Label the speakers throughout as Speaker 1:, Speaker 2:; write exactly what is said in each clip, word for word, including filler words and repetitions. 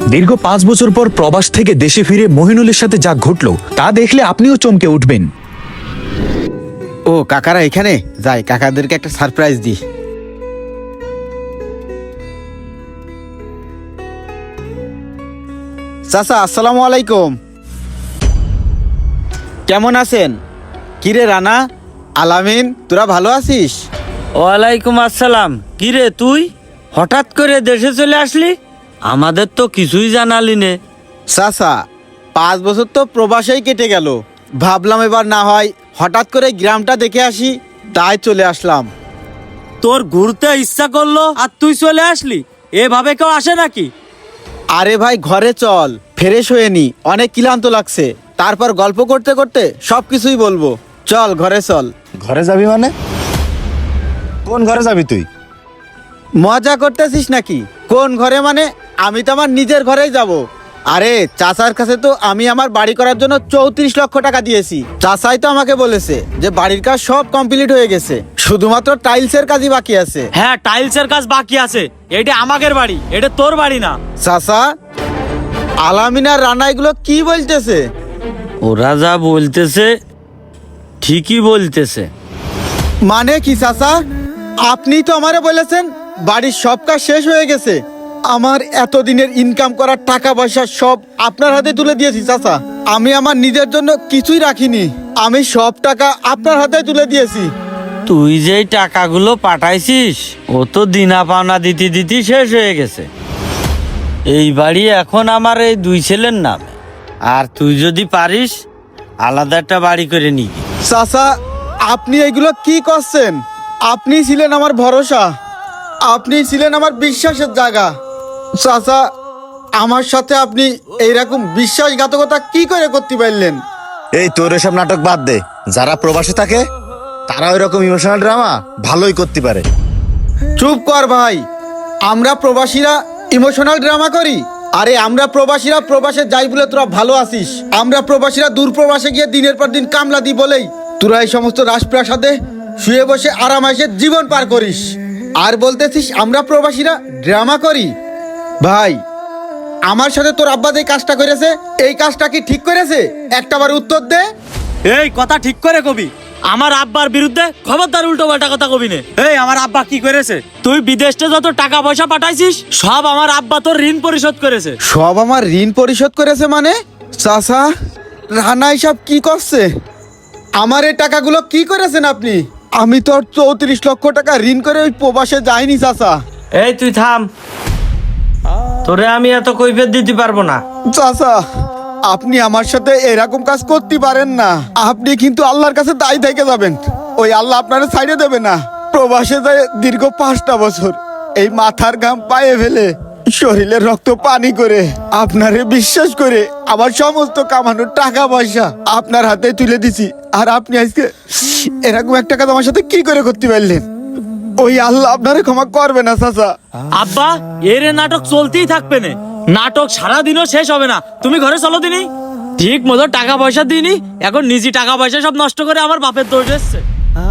Speaker 1: দীর্ঘ পাঁচ বছর পর প্রবাস থেকে দেশে ফিরে মহিনুলের সাথে যা ঘটলো তা দেখলে আপনিও চমকে উঠবেন।
Speaker 2: ও কাকারা এখানে, যাই কাকাদেরকে একটা সারপ্রাইজ দিই। চাচা আসসালামু আলাইকুম, কেমন আছেন? কিরে রানা, আলামিন, তোরা ভালো আছিস?
Speaker 3: ওয়ালাইকুম আসসালাম। কিরে তুই হঠাৎ করে দেশে চলে আসলি? আমাদের তো কিছুই জানালি নে।
Speaker 2: চাচা পাঁচ বছর তো প্রবাসেই কেটে গেল, ভাবলাম এবার না হয় হঠাৎ করে গ্রামটা দেখে আসি, তাই চলে আসলাম।
Speaker 3: তোর ঘুরতে ইচ্ছা করলো আর তুই চলে আসলি? এভাবে কেউ আসে নাকি?
Speaker 2: আরে ভাই ঘরে চল, ফ্রেশ হয়ে নি, অনেক ক্লান্ত লাগছে, তারপর গল্প করতে করতে সব কিছুই বলবো। চল ঘরে চল।
Speaker 4: ঘরে যাবি মানে? কোন ঘরে যাবি তুই?
Speaker 2: মজা করতেছিস নাকি? কোন ঘরে মানে? আমি তো আমার নিজের ঘরেই যাব। আরে চাচার কাছে তো আমি আমার বাড়ি করার জন্য চৌত্রিশ লক্ষ টাকা দিয়েছি। চাচাই তো আমাকে বলেছে যে বাড়ির কাজ সব কমপ্লিট হয়ে গেছে, শুধুমাত্র টাইলসের কাজই বাকি আছে।
Speaker 3: হ্যাঁ, টাইলসের কাজ বাকি আছে। এটা আমাদের বাড়ি, এটা তোর বাড়ি না।
Speaker 2: চাচা, আলামিন আর রানা এগুলো কি বলতেছে?
Speaker 3: ওরা যা বলতেছে ঠিকই বলতেছে।
Speaker 2: মানে কি চাচা? আপনি তো আমারে বলেছেন বাড়ির সব কাজ শেষ হয়ে গেছে। আমার এতদিনের ইনকাম করার টাকা পয়সা সব আপনার হাতে তুলে দিয়েছি চাচা। আমি আমার নিজের জন্য কিছুই রাখিনি, আমি সব টাকা আপনার হাতে তুলে দিয়েছি।
Speaker 3: তুই যেই টাকাগুলো পাঠাইছিস ও তো দিনা পাওনা দিতে দিতে শেষ হয়ে গেছে। এই বাড়ি এখন আমার এই দুই ছেলের নামে, আর তুই যদি পারিস আলাদা একটা বাড়ি করে নিবি।
Speaker 2: চাচা আপনি এগুলো কি করছেন? আপনি ছিলেন আমার ভরসা, আপনি ছিলেন আমার বিশ্বাসের জায়গা। চাচা আমার সাথে আপনি এইরকম বিশ্বাসঘাতকতা কি করে করতে পারলেন?
Speaker 4: এই তোর এসব নাটক বাদ দে। যারা প্রবাসে থাকে তারা ওই রকম ইমোশনাল ড্রামা ভালোই করতে পারে।
Speaker 2: চুপ কর ভাই, আমরা প্রবাসীরা ইমোশনাল ড্রামা করি? আরে আমরা প্রবাসীরা প্রবাসে যাই বলে তোরা ভালো আছিস, আমরা প্রবাসীরা দূর প্রবাসে গিয়ে দিনের পর দিন কামলা দি বলেই তোরা এই সমস্ত রাজপ্রাসাদে শুয়ে বসে আরামাইসে জীবন পার করিস, আর বলতেছিস আমরা প্রবাসীরা ড্রামা করি? ভাই আমার সাথে তোর আব্বা যে কাজটা করেছে এই কাজটা কি ঠিক করেছে? একটাবার উত্তর দে।
Speaker 3: এই কথা ঠিক করে কবি, আমার আব্বার বিরুদ্ধে খবরদার উল্টো পাল্টা কথা কবি নে। এই আমার আব্বা কি করেছে? তুই বিদেশে যত টাকা পয়সা পাঠাইছিস সব আমার আব্বা তোর ঋণ পরিশোধ করেছে।
Speaker 2: সব আমার ঋণ পরিশোধ করেছে মানে? চাচা রানা সব কি করছে? আমার এই টাকাগুলো কি করেছেন আপনি? আমি তো চৌত্রিশ লক্ষ টাকা ঋণ করে ওই প্রবাসে যাইনি চাচা।
Speaker 3: এই তুই থাম, তোরে আমি এত কৈফিয়ত দিতে পারবো না।
Speaker 2: চাচা আপনি আমার সাথে এরকম কাজ করতে পারেন না, আপনি কিন্তু আল্লাহর কাছে দায়ী থেকে যাবেন, ওই আল্লাহ আপনারা ছাইড়ে দেবে না। প্রবাসে যায় দীর্ঘ পাঁচটা বছর এই মাথার ঘাম পায়ে ফেলে শরীরের রক্ত পানি করে আপনারে বিশ্বাস করে আমার সমস্ত কামানোর টাকা পয়সা আপনার হাতে তুলে দিছি, আর আপনি আজকে এরকম একটা কাজ আমার সাথে কি করে করতে পারলেন? ওই আল্লাহ আপনারে ক্ষমা করবে না চাচা।
Speaker 3: আব্বা এর নাটক চলতেই থাকবে না, নাটক সারা দিনও শেষ হবে না। তুমি ঘরে চলো দিনি, ঠিক মতো টাকা পয়সা দিইনি, এখন নিজে টাকা পয়সা সব নষ্ট করে আমার বাপের দোষ এসছে।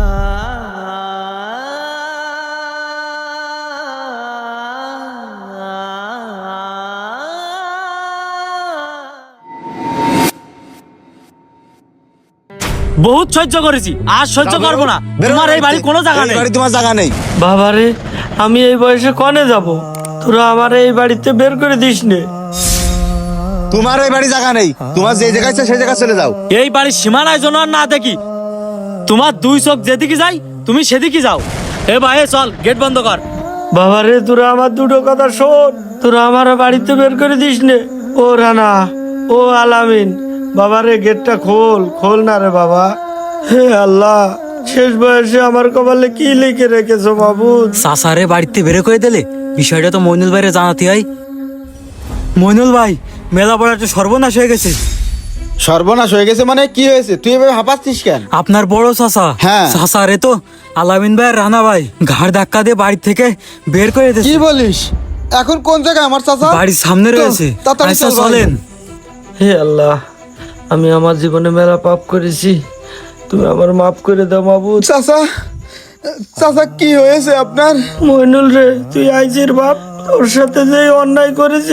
Speaker 3: বহুত সহ্য করেছি, আর সহ্য করবো না। তোমার এই বাড়ি কোনো জায়গা নেই।
Speaker 4: বাড়ি তোমার জায়গা নেই।
Speaker 3: বাবারে আমি এই বয়সে কনে যাব? তোরা আমার এই বাড়িতে বের করে দিস নে।
Speaker 4: তোমার ওই বাড়ি জায়গা নেই, তোমার যে জায়গায় ইচ্ছা সেই জায়গায় চলে যাও।
Speaker 3: এই বাড়ির সীমানায় যেন আর না দেখি। তোমার দুই চোখ যেদিকে যাই তুমি সেদিকে যাও। এ ভাই চল, গেট বন্ধ কর। বাবারে তোরা আমার দুটো কথা শোন, তোরা আমার বাড়িতে বের করে দিস নে। ও রানা, ও আলামিন, বাবারে গেটটা খোল, খোল না রে বাবা। হে আল্লাহ, শেষ বয়সে আমার কপালে কি লিখে রেখেছো বাবু?
Speaker 5: চাচারে বাড়িতে বের করে দিলে বিষয়টা তো মইনুল ভাইরে জানাতে হয়। মইনুল ভাই, মেলা পড়া একটা সর্বনাশ হয়ে গেছে।
Speaker 2: সর্বনাশ হয়ে গেছে মানে কি হয়েছে? তুই এভাবে হাঁপাচ্ছিস কেন?
Speaker 5: আপনার বড় চাচা,
Speaker 2: হ্যাঁ।
Speaker 5: চাচারে তো আলামিন ভাই আর রানা ভাই ঘাড় ধাক্কা দিয়ে বাড়ি থেকে বের করে
Speaker 2: কি
Speaker 5: দিয়েছে।
Speaker 2: বলিস? এখন কোন জায়গায় আমার চাচা?
Speaker 5: বাড়ির সামনে রয়েছে।
Speaker 2: তাড়াতাড়ি
Speaker 5: আচ্ছা
Speaker 2: চল ভাই।
Speaker 5: চলেন।
Speaker 3: হে আল্লাহ, আমি আমার জীবনে মেলা পাপ করেছি, তুমি আমার মাফ করে দাও মাবুদ।
Speaker 2: চাচা, চাচা কি হয়েছে আপনার?
Speaker 3: মইনুল রে, তুই আইজের বাপ, তোর সাথে যে অন্যায় করেছি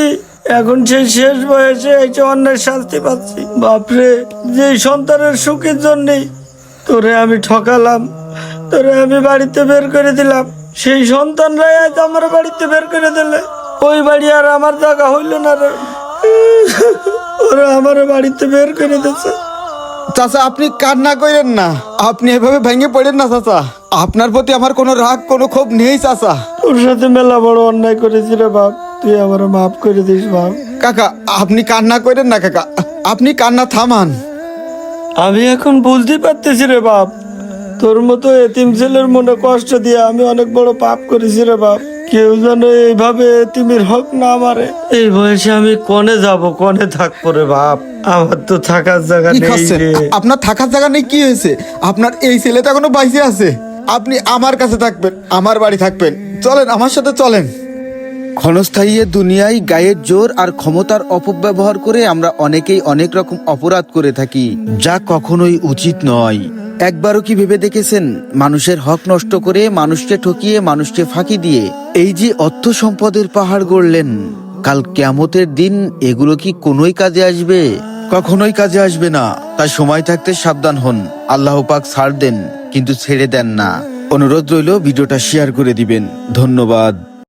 Speaker 3: এখন সেই শেষ বয়সে এই যে অন্যের শাস্তি পাচ্ছি। বাপরে, যে সন্তানের সুখের জন্যই তোরে আমি ঠকালাম, তোরে আমি বাড়িতে বের করে দিলাম, সেই সন্তানরাই আজ আমার বাড়িতে বের করে দিলে। ওই বাড়ি আর আমার জায়গা হইল না রে, ওরা আমার বাড়িতে বের করে দিচ্ছে।
Speaker 2: চাচা আপনি কান্না করেন না, আপনি এভাবে ভেঙে পড়েন না চাচা। আপনার প্রতি আমার কোনো রাগ কোনো ক্ষোভ নেই চাচা।
Speaker 3: তোর সাথে মেলা বড় অন্যায় করেছি রে বাপ, তুই আমার মাফ করে দিস বাপ।
Speaker 2: কাকা আপনি কান্না করেন না কাকা, আপনি কান্না থামান।
Speaker 3: আমি এখন বুঝতে পারতেছি রে বাপ, তোর মতো এতিম ছেলের মনে কষ্ট দিয়ে আমি অনেক বড় পাপ করেছি রে বাপ। কেউ যেন এইভাবে এতিমের হক না মারে। এই বয়সে আমি কনে যাব, কনে থাকবো রে বাপ? আমার তো থাকার জায়গা
Speaker 2: কি
Speaker 3: নেই
Speaker 2: খাচ্ছেন?
Speaker 3: রে।
Speaker 2: আপনার থাকার জায়গা নেই কি হয়েছে? আপনার এই ছেলে তো এখনো বাইসে আছে। আপনি আমার কাছে থাকবেন, আমার বাড়ি থাকবেন। চলেন আমার সাথে চলেন। ক্ষণস্থায়ী এ দুনিয়ায় গায়ের জোর আর ক্ষমতার অপব্যবহার করে আমরা অনেকেই অনেক রকম অপরাধ করে থাকি, যা কখনোই উচিত নয়। একবারও কি ভেবে দেখেছেন, মানুষের হক নষ্ট করে, মানুষকে ঠকিয়ে, মানুষকে ফাঁকি দিয়ে এই যে অর্থ সম্পদের পাহাড় গড়লেন, কাল কিয়ামতের দিন এগুলো কি কোনোই কাজে আসবে? কখনোই কাজে আসবে না। তাই সময় থাকতে সাবধান হন। আল্লাহ পাক ছাড় দেন কিন্তু ছেড়ে দেন না। অনুরোধ রইল ভিডিওটা শেয়ার করে দিবেন। ধন্যবাদ।